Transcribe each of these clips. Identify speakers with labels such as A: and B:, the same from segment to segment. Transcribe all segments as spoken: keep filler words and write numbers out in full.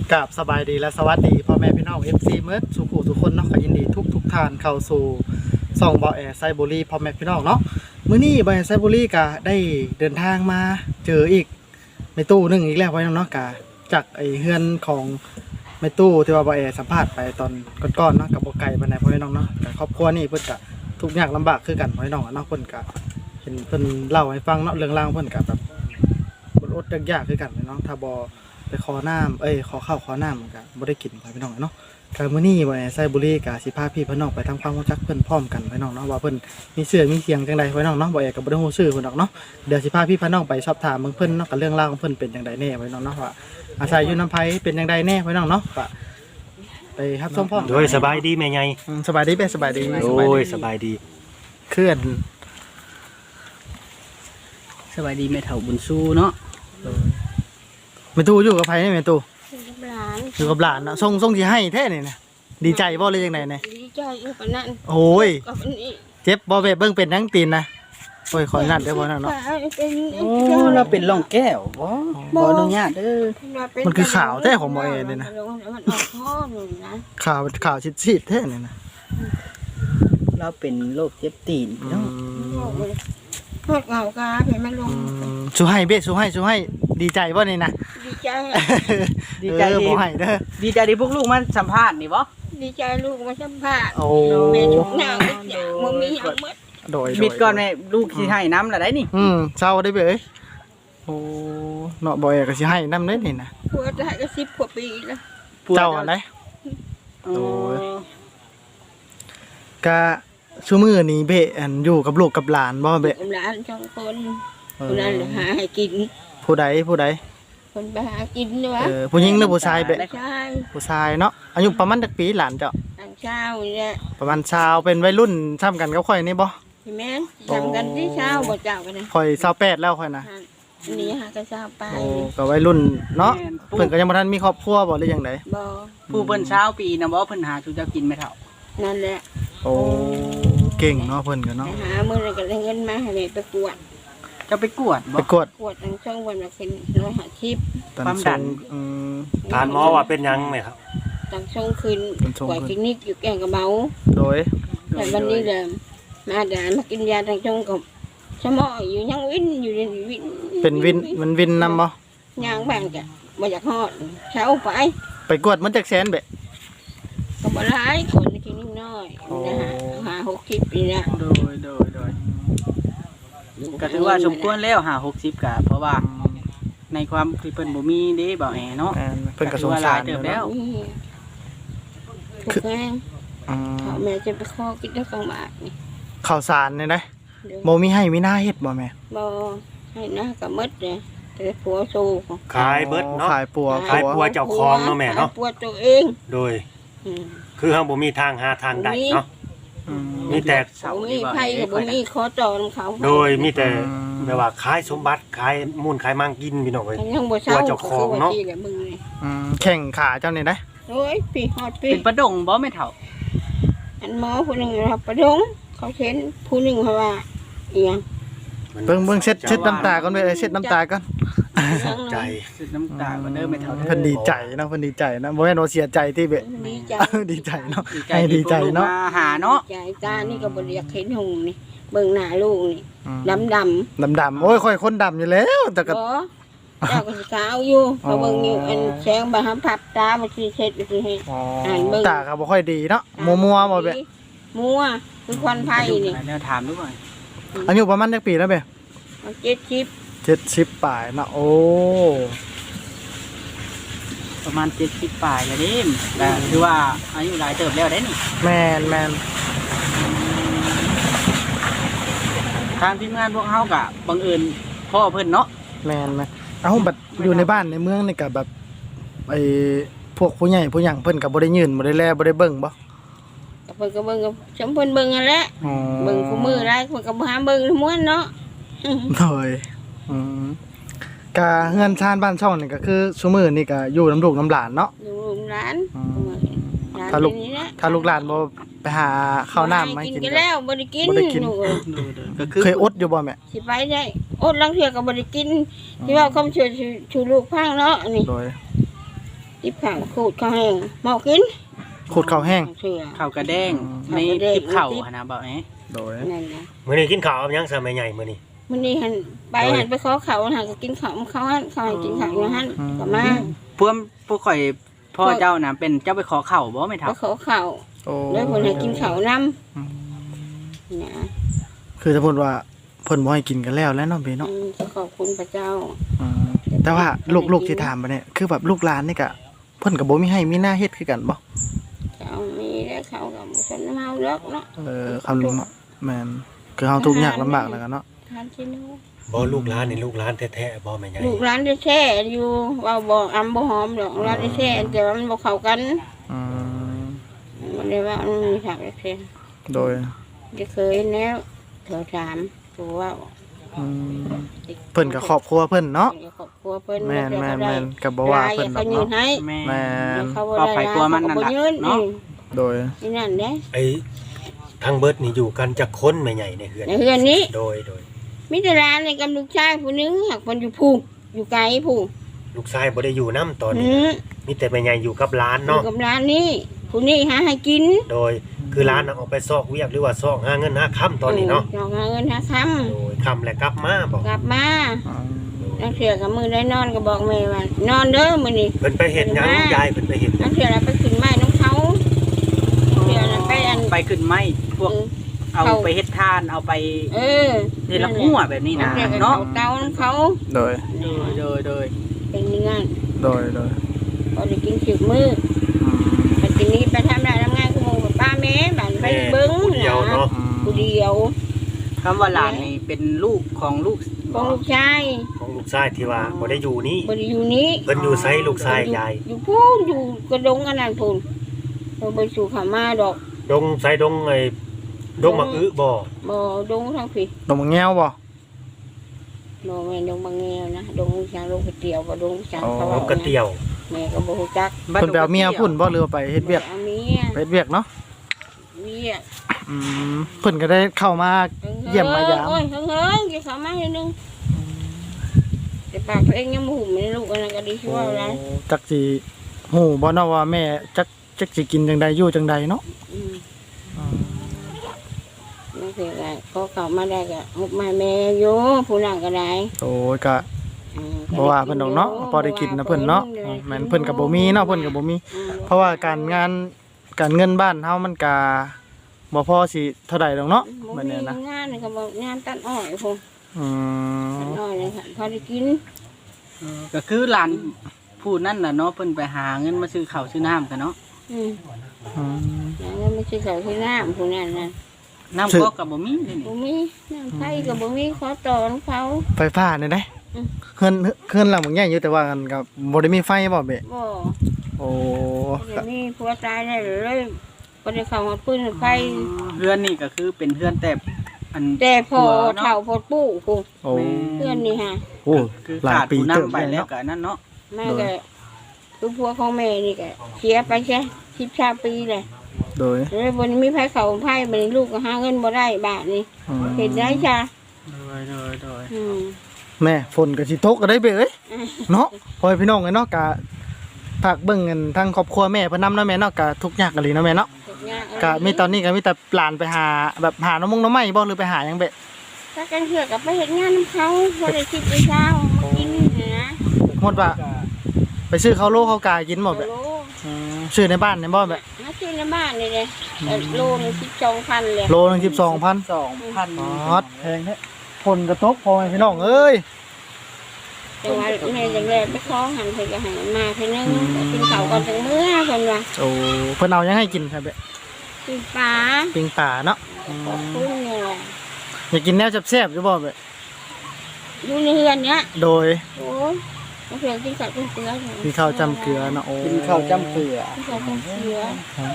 A: กับสบายดีและสวัสดีพ่อแม่พี่น้อง เอฟ ซี เมิร์ดสุขุทุกคนเนาะก็ยินดีทุกทุกท่านเข้าสู่ส่องบอแอร์ไซบุรีพ่อแม่พี่น้องเนาะมื้อนี้บอแอร์ไซบุรีก็ได้เดินทางมาเจออีกในตู้นึงอีกแล้วพ่อน้องเนาะกะจากไอเฮือนของในตู้ที่ว่าบอแอร์สัมภาษณ์ไปตอนก่อนๆเนาะกับบ่ไก่ปานใดพ่อน้องเนาะแต่ครอบครัวนี่เพิ่นก็ทุกข์ยากลำบากคือกันพ่อน้องเนาะเพิ่นก็เห็นเพิ่นเล่าให้ฟังเนาะเรื่องราวเพิ่นก็แบบอดๆยากๆคือกันเนาะถ้าบ่ไปขอน้ำเอ้ยขอข้าวขอน้ำมันก็บ่ได้กินไปพี่น้องเนาะกมื้อนี้บ่ไซบุรีก็สิพาพี่พี่น้องไปทำความรู้จักเพิ่นพร้อมกันพี่น้องเนาะว่าเพิ่นมีชื่อมีเสียงจังไดพี่น้องเนาะบ่แอก็บ่ได้ฮู้ชื่อเพิ่นดอกเนาะเดี๋ยวสิพาพี่พี่น้องไปสอบถามเบิ่งเพิ่นเนาะกับเรื่องราวของเพิ่นเป็นจังไดแน่พี่น้องเนาะว่าอาศัยอยู่น้ำไผเป็นจังไดแน่พี่น้องเนาะก็ไปรับชมพร้อม
B: โดยสบายดีแม่ใหญ่
A: อืมสบายดีเป้สบายดี
B: โอ้ยสบายดี
A: เคลื่อน
C: สบายดีแม่เฒ่าบุญสู้เนาะ
A: แม่ตู้อยู่กับไผนี่แม่ตู้
D: หลาน
A: อยู่กับหลานเนาะส่งส่งสิให้แท้นี่นะดีใจบ่เลยจังไดเนี่ย
D: ดีใจอยู่ปานนั้น
A: โอ้ย
D: กับอันนี้
A: เจ็บบ่เว้เบิ่งเป็นทั้งตีนนะโอ้ยขออนุญาตเด้อบ่นั่นเนาะ
D: เป็น
C: โอ้เราเป็นร่องแก้วบ่บ่อนุญาตเด้อ
A: มันคือข่าวแท้ของบ่เอเลยนะ
D: มันออกข้อหนึ่งนะ
A: ข่าวข่าวชิดๆแท้นี่นะ
C: เราเป็นโรคเจ็บตีนเนาะ
D: พวกเงากาเห็นมันลง
A: สู้ให้เบ้สู้ให้สู้ให้ดีใจบ่นี่นะ
D: ดีใจ
C: ดีใจ
A: เออ
C: ที่
A: บ่ให้เด้อ
C: ดีใจที่พวกลูกมันสัมภาษณ์นี่บ่
D: ดีใจลูกมาสัมภาษณ์
A: โอ้
D: แม่ทุกอย่างทุกอย่างมันมีอย่างหมด
A: โดย
C: มิดก่อนแม่ลูกสิให้น้ำละได้นี่
A: อืมเศร้าได้เบ้เอ้ยโอ้เนาะบ่เอก็สิให้นำเด้นี่นะ
D: ผัวจะให้ก็สิบกว่าปีแล้ว
A: เจ้าอันใด
C: โอ้
A: โอ้ย กะซุมื้อนี้เบ้อันอยู่กับลูกกับหลานบ่เบ้
D: หลานสองคนคนนั้นหาให้กิน
A: ผู้ใดผู้ใด
D: คนไปหากินด้วยวะ
A: เออผู้หญิงหรือผู้ชายเบ้
D: ใช่
A: ผู้ชายเนาะอายุประมาณจักปีหลานเจ้า
D: ทางเช้าเนี่ย
A: ประมาณชาวเป็นวัยรุ่นซ้ำกันกับข่อยนี่บ่
D: พี่แม่ทำกันที่เช้าบ่เจ้ากันนะ
A: ข่อยยี่สิบแปดแล้วข่อยนะ
D: อันนี้หาก็เช้าไป
A: โอ้ก็วัยรุ่นเนาะเพิ่นก็ยังบ่ทันมีครอบครัวบ่หรือจังได
D: บ่
C: ผู้เพิ่นเช้าปีนะบ่เพิ่นหาชูเจ้ากินแม่เฒ่า
D: นั่นแหละ
A: โอ้เก่งเนาะเพิ่นก็
D: ไป
A: เนาะ
D: หาเมื่อไรก็ได้เงินมาให้แม่ไปกวด
C: เจ้าไปกวด
A: ไป
C: บ่
A: กวด
D: กวดทั้งช่องวันละเป็นร้อยหาชิป
A: ตอน
C: ความดั
A: ส่ง
C: น
A: อืม
B: ทานหมอว่าเป็นหยังไหมครับ
D: ทั้งช่องคืน
A: เป็นช่อง
D: กวด
A: คืน
D: คลินิกอยู่แก่งกระเบา
A: โดย
D: แต่วันนี้เลยมาด่านมากินยาทั้งช่องกับสมออยู่ยังวินอยู่ในวิน
A: เป็นวินมันวินนำบ่
D: ยางแบ่งกะบ่อยากฮอดเช้าไป
A: ไปกวดมันจักแสนเบ้
D: ก็บ่ร้ายคนในคลินิกน้อย
A: โอ้
D: นะฮะหาหกสิบปีละ
C: โดยโดยโดยก็ถือว่าสมควรแล้วหาหกสิบกะเพราะว่าในความที่เพิ่นบ่มีเด้บ่แอเนาะ
A: แม่นเพิ่นก็สงสาร
C: เติบแล้ว
D: นี่ถูกแม่ง
A: อืม
D: เขาแม่จะไปขอกินได้กลางบาทนี่
A: ข้าวสารนี่นะ
D: เดี๋ยว
A: บ่มีให้มีหน้าเฮ็ดบ่แม่
D: บ่ให้หน้ากับมดเลยแต่ผัวสู้
B: ขายเบิดเนาะ
A: ขายปัว
B: ขายปัว เจ้าของเนาะแม่เนาะ
D: ขยปัวตัวเอง
B: โดย
D: อืม
B: คือเฮาบ่มีทางหาทางใดเนาะ
A: อืม
B: มีแต่
C: เสา
D: บ่
C: ดี
D: มี
C: บ่
D: ไผกับบ่มีขอต่อนำเขา
B: โดยมีแต่
A: อืม
B: แบบว่าขายสมบัติขายมูลขายมังกินพี่น้องเอ้ย
D: มันยังบ่เศร้า
B: ปัวเจ้าของเนาะ
D: ก็คือว่ที่แหละมึงนี่
A: อืมแข่งขาเจ้านี่นะ
D: โอ้ยพี่ฮอดพี่
C: เป็นประดงบ่แม่เฒ่า
D: อันหมอผู้หนึงรับประดงเขาเห็นผู้หนึงเขาว่าอีหยัง
A: เบิ่งเบิ่งเช็ดเช็ดน้ำตาก่อนเว้ยเอ้ยเช็ดน้ำตาก่อน
B: ใจ
C: สุดน้ำตาบ่เด้อแม่เฒ่าเด้อ
A: เพิ่นดีใจเนาะเพิ่นดีใจนะบ่แม่นว่าเสียใจที่เบะ
D: ดีใจ
A: ดีใจเนาะ
C: ดีใจ
A: ให้ดี
C: ที่
A: ใจ
C: พวกลูก
A: เนาะ
C: มาหาเนาะ
D: ใจตานี่ก็บ่ได้อยากเห็นหงนี่เบิ่งหน้าลูกนี่
A: อืม
D: ดำดำ
A: ดำๆโอ้ยค่อยคนดำอยู่แล้วแต่ก็
D: บ่เจ้าก็สิขาวอยู่เขาเบิ่งอยู่อันแสงบ่หาพับตาบ่สิเฮ็ดบ่สิเฮ็ด
A: อ๋อ
D: อ่านเบิ่ง
A: ตาก็บ่ค่อยดีเนาะมัวๆบ่เบะ
D: มัวคือควันไฟนี่
C: แนวถามดูก่อน
A: อายุประมาณจักปีแล้วเบะ
D: เอาเจ็ดชิป
A: เจ็ดสิบปลายเนาะโอ้
C: ประมาณเจ็ดสิบปลายแล้วเด้มแต่ถือว่าอายุหลายเติบแล้วได้นี่
A: แม่นแม่น
C: ทางทีมงานพวกเฮาก็บังเอิญพ่อเพิ่นเนาะ
A: แม่นแม่นเอ้าบัดอยู่ในบ้านในเมืองนี่ก็แบบไอ้พวกผู้ใหญ่ผู้หยังเพิ่นก็บ่ได้ยืนบ่ได้แลบ่ได้เบิ่งบ่
D: ก็เพิ่นก็เบิ่งกับจำเพิ่นเบิ่งนั่นแหละ
A: อ๋อ
D: เบิ่งคู่มือหลายเพิ่นก็บ่หาเบิ่งทั้งม้วนเนาะ
A: โดยอืมกะเฮือนชานบ้านช่องนี่ก็คือซุมื้อนี่ก็อยู่น้ำลูกน้ำหลานเนาะ
D: ดูลูกหลาน
A: อืม
D: หลน
A: ถ้าลูก
D: เป็นนี่แหะ
A: ถ้าลูกหลานบ่ไปหาข้าวน้ำมาให้
D: กิ
A: กิ
D: น
A: น
D: กัน
A: ก็
D: แล้วบ่ได้กิน
A: บ่ได้กิน
D: หนูเอ้ย
C: ก็คือ
A: เคยอดอยู่บ่แม่
D: สิไปได้อดลังเทื่อก็บ่ได้กินที่ว่าคำช่วยชูลูกพังเนาะนี่
A: โดย
D: จที่ผังขูดข้าวแห้งหมอกกิน
A: ขูดข้าวแห้ง
D: เชื่อ
C: ข้าวกระแดง
A: อืม
C: ในทิพข้าวหั่นน่ะบ่แหม
A: โดย
D: นั่นนะ
B: มื้อนี้กินข้าวกับหยังซะแม่ใหญ่มื้อนี้
D: มื้อนี้หันไปหันไปขอเขาหันก็กินข้าวเขาหันเขาให้กินข้าวอยู่หันก็มา
C: พวกพวกข่อยพ่อเจ้าน่ะเป็นเจ้าไปขอข้าวบ่แม่
D: ไป
C: เฒ่า
D: ขอข้าว
A: โอ้
D: เลยเพิ่นให้กินข้าวนํ
A: อืม
D: นะ
A: คือถ้าเพิ่นว่าเพิ่นบ่ให้กินกันแล้วแล้วเนาะเบเนาะ
D: อืมขอบคุณพระเจ้า
A: อืมแต่ว่าลูกๆที่ถามมาเนี่ยคือแบบลูกหลานนี่ก็เพิ่นก็บ่มีให้มีหน้าเฮ็ดคือกันบ่
D: เจ้ามีได้เขากับฉันเมาเลิกเนาะ
A: เออคำนึงเนาะแม่นคือเฮาทุกข์ยากลำบากแล้วกันเนาะ
D: ทานที่นู้
B: บ่ลูกหลานนี่ลูกหลานแท้ๆบ่แม่ใหญ่
D: ลูกร้านได้แช่อยู่ว่าบ่อำบ่หอมดอกร้านได้แช่แต่ว่ามันบ่เข้ากัน
A: อืม
D: มันเลยว่ามันมีผักได้แช่
A: โดย
D: จะเคยแล้วเธอถามตัวว่า
A: อืมเพิ่นก็ครอบครัวเพิ่นเนาะ
D: ครอบครัวเพิ่น
A: แม่นแม่นแม่นก็บ่ว่าเพิ่นด
D: เขา
A: อก
D: ยืน
A: เนาะ
D: ให้
C: แม่
A: แม่น
D: เขาบ่
C: ก็
D: ได้
C: ไปกลัวมันนั่นล่ะ
D: เขาบ่ยืน
C: เนาะ
A: โดย
D: นี่นั่นเด้
B: ไอ้ทางเบิดนี่อยู่กันจักคนแม่ใหญ่ในเฮือน
D: ในเฮือนนี้
B: โดยโดย
D: มีแต่ร้านในกับลูกชายผู้หนึงหักมันอยู่ผูกอยู่ไกลผูก
B: ลูกชายบ่ได้อยู่นํตอน
D: อื
B: นี้
D: ม
B: มีแต่แม่ใหญ่อยู่กับหลาน
D: อยู่
B: เนาะ
D: กับร้านนี้ผู้นี้หาให้กิน
B: โดยคือหลานน่ะออกไปซอกเวียกหรือว่าซอกหาเงินหาค่ำตอนนี้เนาะ
D: ออหาเงินหาค
B: โดยค่ำและกลับมาบ่
D: ำกลับมา
A: อืม
D: นักเสือกับมือได้นอนก็บอกแม่ว่านอนเด้อมื้อนี้
B: เพิ่นไปเฮ็ดหยังยายเพิ่นไปเฮ็ดหยั
D: นั
B: ง
D: กเสือเราไปขึ้นไม้น้องเขานักเสือเราไปอัน
C: ไปขึ้นไม้พวกเอา
D: เขา
C: ไปเฮ็ดทานเอาไป
D: เออ
C: เฮ็ดละหัวแบบนี้
D: นั
C: นะ
D: กเสือกับ
C: เนาะ
D: เขาเตาน้ำเขา
A: โดย
C: โดยโดยโดย
D: เป็นอยังไง
A: โดยโดย
D: พอได้กินสิบมื้อ
A: อืม
D: ไปกินนี้ไปทำได้ทำงานกับหมู่กับป้าแม่บ้านไป
B: แม่
D: เบิ้ง
B: ผู้เดียวเนาะ
A: อืม
D: ผู้เดียว
C: คำว่าหลานนี่เป็นลูกของลูก
D: ของลูกชาย
B: ของลูกชายที่ว่าบ่ได้อยู่นี่
D: บ่ได้อยู่นี้
B: เพิ่นอยู่ไสลูกชายยาย
D: อยู่พูนอยู่กระดงอันนั้นพูนเราไปสู่ขามาดอก
B: ดงไสดงไอ้ดงมะอึบ่
D: บ่ดงทางผี
A: ดมแง้วบ่
D: บ่แม่นดงบางแงวนะดงช้างลงก๋วยเตี๋ยวบ่ดงช้างเขา
B: ด
D: เอา
B: งกระเตียว
D: แม่ก็บ่ฮู้จัก
A: เพิ่นไปเอาเมียพุ่นบ่หรือว่าไปเฮ็ดเวียก
D: เอาเมีย
A: ไปเฮ็ดเวียกเนาะ
D: เมีย
A: อืมเพิ่นก็ได้เข้ามา เยี่ยมมายาม
D: โอ้ยเฮิงเฮิงกี่เขามาเดี๋ยวนึงแต่ปากตัวเองยังบ่หุ่มเลยลูกอันนั้นก็ดีชั่วแล้ว
A: จักสิฮู้บ่เนาะว่าแม่จักจักสิกินจังใดอยู่จังใดเนาะ
D: อืมนั่นคืออะไรพอเขามาได้ก็หุบมาแม่อยู่ผู้นั้นก็ได้
A: โอ้ยก็
D: อืม
A: บ่ว่าเพิ่นดอกเนาะพอได้กินนะเพิ่นเนาะอืมแม่นเพิ่นก็บ่มีเนาะเพิ่นก็บ่มี
D: อืม
A: เพราะว่าการงานการเงินบ้านเฮามันก็บ่พอสิเท่าใดดอกเนาะ
D: บ่
A: บัด
D: มี
A: นี้นะ
D: งานนี่ก็บอกงานตัดอ้อยพุ่น
A: อื
D: ตัด
A: ม
D: อ้อยเลยค่ะพอได้กิน
C: ก็คือหลานผู้นั่นน่ะเนาะเพิ่นไปหาเงินมาซื้อข้าวซื้อน้ำกันเนาะ
D: อืม
A: อืม
D: แล้วก็ไม่ใช่เขาที่น้ำผู้นั้นน่ะ
C: น้ำก๊อกก็บ่มีนี่
D: บ่มีน้ำไผก็บ่มีขอต่อของเขา
A: ไฟฟ้านี่ได้
D: อืม
A: เฮือนเฮือนหลังบ่ใหญ่อยู่แต่ว่ามันก็บ่ได้มีไฟบ่เบะ
D: บ่
A: โอ้
D: เดี๋ยวนี้ผัวตายได้เลยบ่ได้เข้ามาปืนไฟ
C: เรือนนี่ก็คือเป็นเรือนแต่อัน
D: แต่พอ
C: ผัวเนาะ
D: เฒ่าพอปู่พุ่น
A: โอ้
D: เพื่อนนี่ฮะ
A: โอ้
C: คือ
A: หลาย
C: ขาด
A: ปี
C: ผู้
A: เติบ
C: นำไป
A: ไป
C: แล้
A: แล้ว ว
C: ก็นั่นเนาะ
D: แม่ก็คือผัวของแม่นี่ก็เสียไปใช่สิบสามปีเลย
A: โดย
D: แล้วบนมีไผเขาไผบัดนี้ลูกก็หาเงินบ่ได้บาทนี่
A: อืม
D: เห็นได้จ้ะ
C: โดยโดยโดย
D: อืม
A: แม่ฝนก็สิตกก็ได้เบะเอ้ยเนาะพ่อพี่น้องเอ้ยเนาะก็ฝากเบิ่งกันทางครอบครัวแม่เพิ่นนำเนาะแม่เนาะก็ทุกข์ยากกันเลยเนาะแม่เนาะ
D: ทุกอย่าง
A: ก็มีตอนนี้ก็มีแต่หลานไปหาแบบหาน้ำมงน้ำไม้บ่หรือไปหาหยังเบะ
D: ถ้ากันเถื่อกับไปเฮ็ดงานนำเขาบ่ได้คิดไปเช้ามากินนี่นะ
A: สมมุติว่าไปซื้อข้าวโลข้าวกากินบ่เบะ
D: โล
A: อืมซื้อในบ้านในบ่เบะ
D: มาซื้อในบ้านนี่เลยแต่โลนึงสิบสองพันเลย
A: โลหนึงสิบสองพัน
C: สองพัน
A: อ๋อแพงแท้ฝนกระตกพ่อแม่พี่น้องเอ้ย
D: แต่ว่าแม่จังแลไปขอหันเพิ่นก็ให้มาเพิ่นนึงกินข้าวก่อนจังมื้อเพิ่นว่า
A: โอ้เพิ่นเอาหยังให้กินครับเบะ
D: กินปลา
A: ปิ้งป่าเนาะอื
D: ขอบ
A: ม
D: คุณนี่แหละ
A: อยากกินแนวแซ่บๆอยู่บ่เบะ
D: อยู่ในเรือนเนี้ย
A: โดย
D: โอ้ยมาเพียงกินข้าวกินเกลือเถอะ
A: มีข้าวจำเกลือเนาะโอ้
C: กินข้าวจ้ำเกลือ
D: กินข้าวกินเกลือ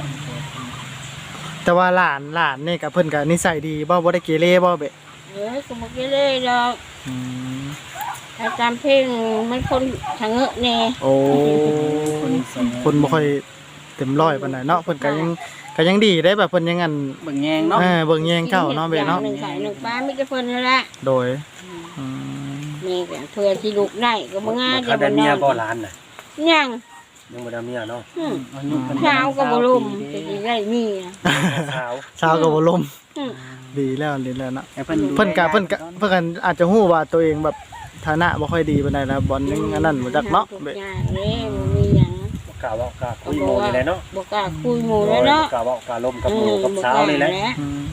A: แต่ว่าหลานหลานนี่กับเพิ่นก็นิสัยดีบ่บ่ได้เกเรบ่เบะ
D: เออก็บอกเลยดอก
A: อืม
D: ถ้าจำเพลงมันคนทางเงอะแน่
A: โอ้คนบ่ค่อยเต็มร้อยปานใดเนาะเพิ่นก็ยังก็ยังดีได้แบบเพิ่นยังอัน
C: เบิ่งแยงเนาะ
A: เออเบิ่งแยงเจ้าเนาะเบะเนาะ
D: หนึ่งไข่หนึ่งปลาไม่จะเพิ่นนั่นแหละ
A: โดยอืม
D: นี่ก็เพื่อที่ลูกได้ก็บ่ง่าย
B: เขาได้เมียบ่หลานน่ะ
D: ยัง
B: ยังบ่ได้เมียเนาะ
D: อืม
C: อายุเพิ่น
D: เช้าก็บ่ลุ่มจะสิได้มีนะ
B: สาว
A: ชาวก็บ่ลม
D: อืม
A: ดีแล้วดีแล้วเนาะ
C: แต่เพิ่น
A: เพิ่นก็เพิ่นก็เพิ่นก็อาจจะฮู้ว่าตัวเองแบบฐานะบ่ค่อยดีปานใดนะบอลยังอันนั้นบ่จักเนาะ
D: ทุกอย่างเด้บ่มีหยัง
B: บ่กล้าเว้ากล้าคุยโมนี่แหละเนาะ
D: บ่กล้าคุยหมู่แล้วเนาะ
B: บ่กล้าเว้ากล้าลมกับหมู่กับสาวนี่แหละ
A: อืม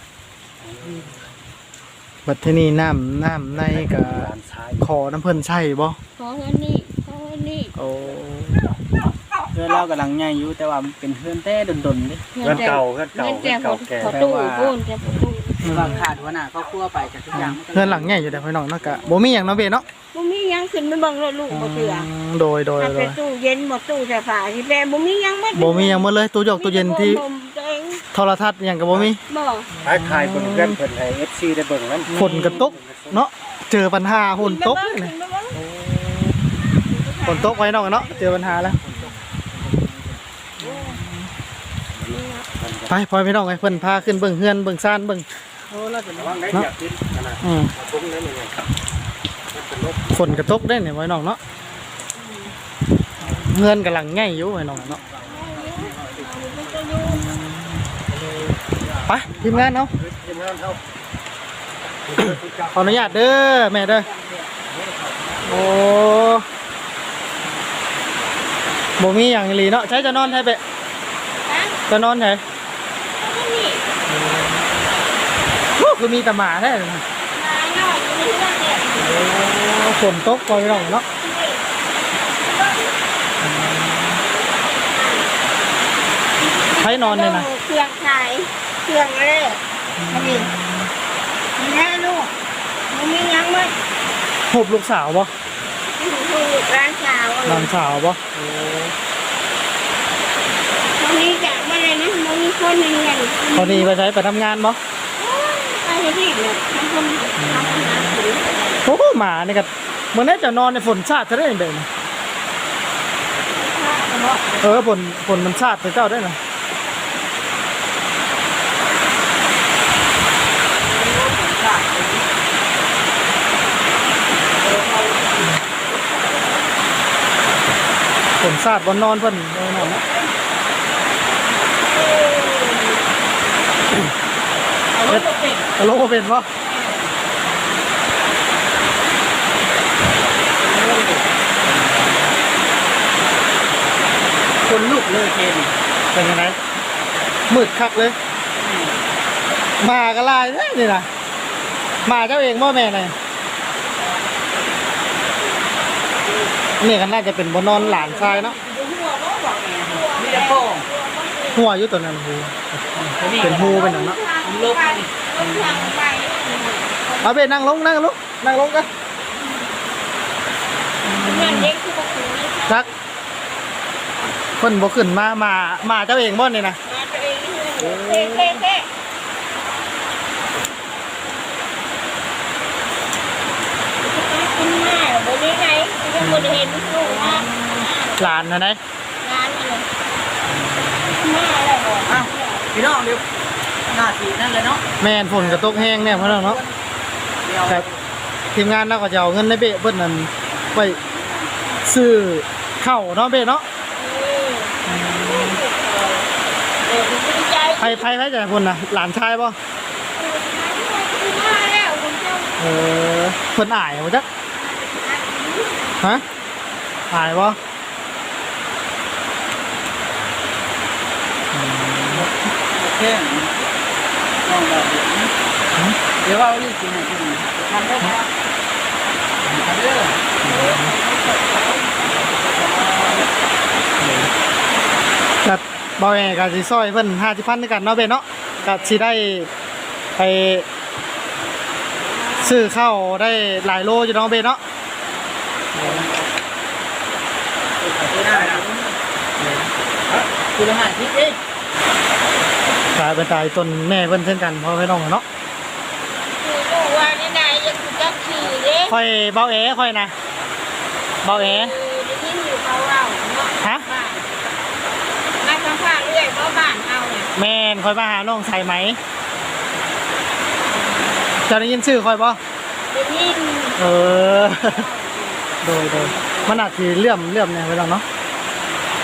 A: บัดทีนี้น้ำน้ำในก็
B: หลานชาย
A: ขอน้ำเพิ่นใช่บ่
D: ขอเงินนี่ขอเงินนี่
A: โอ้
C: เพื่อนเรากำลังใหญ่อยู่แต่ว่ามันเป็นเพื่อนแต่ดนๆเด้
B: เพื่อนเก่าเพื่อนเก่า
D: เงิน
B: เพื่
D: แต่
B: อนเก่าแก่
D: ขอตู้ปูนแต่ประตู
C: คือว่าขาดหัวหน้าครอบครัวไปจากทุกอย่างมัก็
A: เพื่อนหลังใหญ่อยู่แต่พี่น้องเนาะก็บ่มีหยังเนาะเบ้เนาะ
D: บ่มีหยังขึ้นไปเบิ่งรถลูกบ่เถื่อ
A: มโดยโดย
D: ถ้า
A: โด
D: เป็
A: ย
D: นตู้เย็นบ่ตู้เสื้อผ้าที่แปบ่มีหยังหมด
A: บ่มีหยังหมดเลยตู้ยกตู้เย็นที่
D: มีแต่บ่มตัวเอง
A: โทรทัศน์หยังก็บ่มี
D: บ่
B: ท้ายทายเพิ่นเพื่อนเพิ่นให้ เอฟ ซี ได้เบิ่งนำ
A: ฝนก็ตกเนาะเจอปัญหาฝนตก
D: ขึ้
A: นี่
D: นไปเบิ่ง
A: ฝนตกไว้น้องเนาะเจอปัญหาแล้วไปพอพี่น้องไอ้เพิ่นพาขึ้นเบิ่งเฮือนเบิ่งซ่านเบิ่ง
C: โอ้เราจะ
B: ระวังได้อยากกินขนาด
A: อืม
B: ตรงนั้นเลยครับมันเป็นลบ
A: ฝนก็ตกได้นี่ไว้น้องเนาะเฮือนกำลังใหญ่อยู่ไว้น้องเนาะไปทีมงานเนาะ
B: ทีมงานเฮา
A: ขออนุญาตเด้อแม่เด้อโอ้บ่มีหยังอีหลีเนาะใช้จะนอนใช้ไป
D: ฮะ
A: จะนอนใช้
D: เอานี่
A: โอ้คือมีแต่หมาแท้เลยนะ
D: มาหน่อยอยู่ในเรื่องเนี่ย
A: โอ้ฝนตกปล่อยน้องเนาะใช้นอนเลยนะ
D: เครื่องขายเครื่องอะไรอันนี้แม่ลูกมันมีหยังมั้ย
A: หุบลูกสาวบ่
D: ลูกร้านสาว
A: หลานสาวบ่
D: ตอนนี้จะมาเลยนะมันมีคนหนึ่งเงิน
A: พอดีไปใช้ไปทำงานบ่
D: ไปที่เนี่ยทำคนทำคนหาถือ
A: โอ้หมานี่ก็มื้อนี้จะนอนในฝนชาติจะได้เด้อเออฝนฝนมันชาติไปเจ้าได้น่ะฝนชาติบ่นอนเพิ่นเออนอนเนาะ
C: เอารถตกเป็น
A: ตลกบ่เป็นบ่
C: คนลูกเลยเคน
A: เป็นยังไงมืดคักเลยหมาก็ลายเด้อนี่น่ะหมาเจ้าเองบ่แม่น่ะนี่ก็น่าจะเป็นบ่นอนหลานชายเนาะ
C: มีแต่พ่อ
A: หัวอยู่ตัวนั้นหูเป็นหูเป็นหยังเนาะ
C: ลบนี่
A: เอาไปนั่งลงนั่งลงนั่งลงกัน
D: เงินเด็กคือบอกถึงนี่
A: ทักเพิ่นบ่ขึ้นมามามาเจ้าเองบ่นี่นะ
D: มาตัวเองเท่เท่เท่คุณแม่บนนี้ไงยังบนเห็นลูกนะ
A: หลานนะไหน
D: ร้านอะไรแม่อะไรบอก
C: อ้าวพี่น้องเดี๋ยวหน้าที่นั่นเลยเนาะ
A: แม่นฝนก็ตกแห้งแน่เพิ่นเนาะ
C: เดี๋ยว
A: ครับทีมงานเราก็จะเอาเงินในเบะเพิ่นนั่นไปซื้อข้าวเนาะเบะเนาะ
D: เด็กดีใจ
A: ไผไผไผจะให้เพิ่นน่ะหลานชายบ่
D: มาแล้วคุณเจ้า
A: เออเพิ่นอายบ่จักฮะอายบ่
C: แค่น้องแบบเดี๋ยวเอาอีกทีหนึงทำได้ไหมทำได้เลย
A: ก็บ่แม่ก็สิซอยเพิ่นห้าสิบพันด้วยกันเนาะเบะเนาะก็สิได้ไปซื้อข้าวได้หลายโลอยู่เนาะเบะเนาะ
C: คือละห้าทิศเอง
A: กลายเป็นตายต้นแม่เพิ่นเช่นกันเพราะพี่น้องเนาะ
D: คือลูกว่านี่นายยังคือจักขี่เด้
A: ค่อยเบาแอค่อยนะเบาแอ
D: ได้ยินอยู่เขาเล่าเนาะ
A: ฮะ
D: บ้านมาสัมภาษณ์เรื่อยเพราะบ้านเฮาเนี่ย
A: แม่นค่อยมาหาน้องใส่ไหมจะได้ยินชื่อค่อยบ่
D: ได้ยิน
A: เออ โดยโดยมันอาจสิเลื่อมเลื่อมเนี่ยพี่น้องเนาะ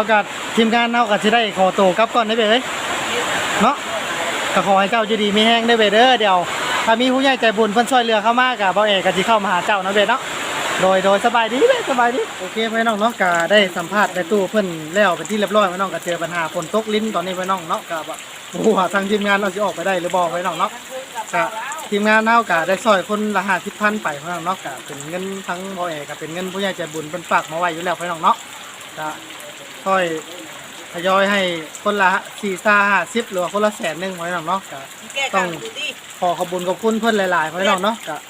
A: ยวกับทีมงานเฮาก็สิได้ขอตัวกลับก่อนได้เบ้เอ้ยเนาะก็ขอให้เจ้าอยู่ดีมีแฮงได้เบ้เด้อเดี๋ยวถ้ามีผู้ใหญ่ใจบุญเพิ่นช่วยเหลือเข้ามาก็บ่เอกก็สิเข้ามาหาเจ้าเนาะเบ้เนาะโดยโดยสบายดีเบ้สบายดีโอเคพี่น้องเนาะก็ได้สัมภาษณ์ในตู้เพิ่นแล้วเป็นที่เรียบร้อยพี่น้องก็เจอปัญหาฝนตกลิ้นตอนนี้พี่น้องเนาะก็บ่ฮู้ว่าทางทีมงานเราสิออกไปได้หรือบ่พี่น้องเนาะก็ทีมงานเฮาก็ได้ซอยคนละห้าสิบพันไปพี่น้องเนาะก็เป็นเงินทั้งบ่เอกก็เป็นเงินผู้ใหญ่ใจบุญเพิ่นฝากมาไว้อยู่แล้วพี่น้องเนาะก็ค่อยทยอยให้คนละสี่ซ่าห้าสิบหรือว่าคนละแสนหนึงพี่น้องเนาะก็ต้องขอขอบคุณขอบคุณเพิ่นหลายๆพี่น้องเนาะก็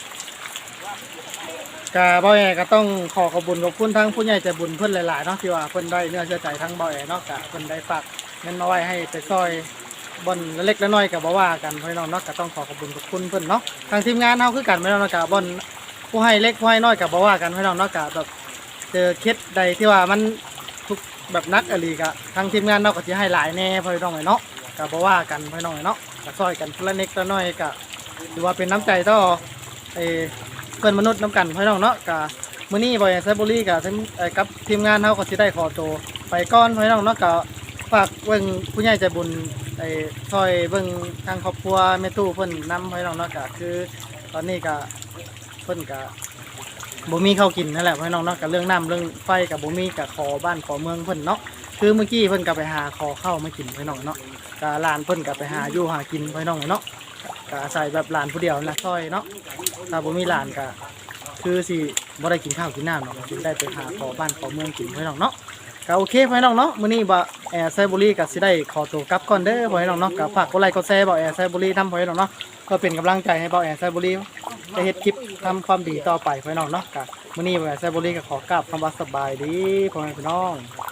A: ก็บ่แอก็ต้องขอขอบคุณขอบคุณทั้งผู้ใหญ่ใจบุญเพิ่นหลายๆเนาะที่ว่าเพิ่นได้เนื้อเชื่อใจทั้งบ่แอเนาะก็เพิ่นได้ฝากเงินมาไว้ให้ไปซอยบ่อนเล็กๆน้อยๆก็บ่ว่ากันพี่น้องเนาะก็ต้องขอขอบคุณขอบคุณเพิ่นเนาะทางทีมงานเฮาคือกันพี่น้องเนาะก็บ่อนผู้ให้เล็กผู้ให้น้อยก็บ่ว่ากันพี่น้องเนาะก็แบบเจอเคสใดที่ว่ามันทุกแบบนักอหลีก็ทางทีมงานเนาะก็สิให้หลายแน่พี่น้องเนาะก็บ่ว่ากันพี่น้องเนาะก็ซอยกันคนละเล็กละน้อยก็ถือว่าเป็นน้ำใจต่อไอ้เพื่อนมนุษย์น้ำกันพี่น้องเนาะก็มื้อนี้บ่อยไซบุรีก็ทั้งเอ่อกับทีมงานเฮาก็สิได้ขอตัวไปก่อนพี่น้องเนาะก็ฝากเบิ่งผู้ใหญ่ใจบุญไอ้ซอยเบิ่งทางครอบครัวแม่ตู้เพิ่นนำพี่น้องเนาะก็คือตอนนี้ก็เพิ่นก็บ่มีข้าวกินนั่นแหละพี่น้องเนาะก็เรื่องน้ำเรื่องไฟก็บ่มีก็ขอบ้านขอเมืองเพิ่นเนาะคือเมื่อกี้เพิ่นก็ไปหาขอข้าวมากินพี่น้องเนาะก็หลานเพิ่นก็ไปหาอยู่หากินพี่น้องเนาะก็อาศัยแบบหลานผู้เดียวนะซอยเนาะถ้าบ่มีหลานก็คือสิบ่ได้กินข้าวกินน้ำเนาะสิได้ไปหาขอบ้านขอเมืองกินพี่น้องเนาะก็โอเคพี่น้องเนาะมื้อนี้บ่แอร์ไซบุรีก็สิได้ขอตัวกลับก่อนเด้อพี่น้องเนาะก็ฝากกดไลค์กดแชร์บ่แอร์ไซบุรีทำพี่น้องเนาะก็เป็นกำลังใจให้บ่แอร์ไซบุรีจะเฮ็ดคลิปทำความดีต่อไปพี่น้องเนาะก็มื้อนี้บ่แอร์ไซบุรีก็ขอกราบคำว่าสบายดีพ่อแม่พี่น้อง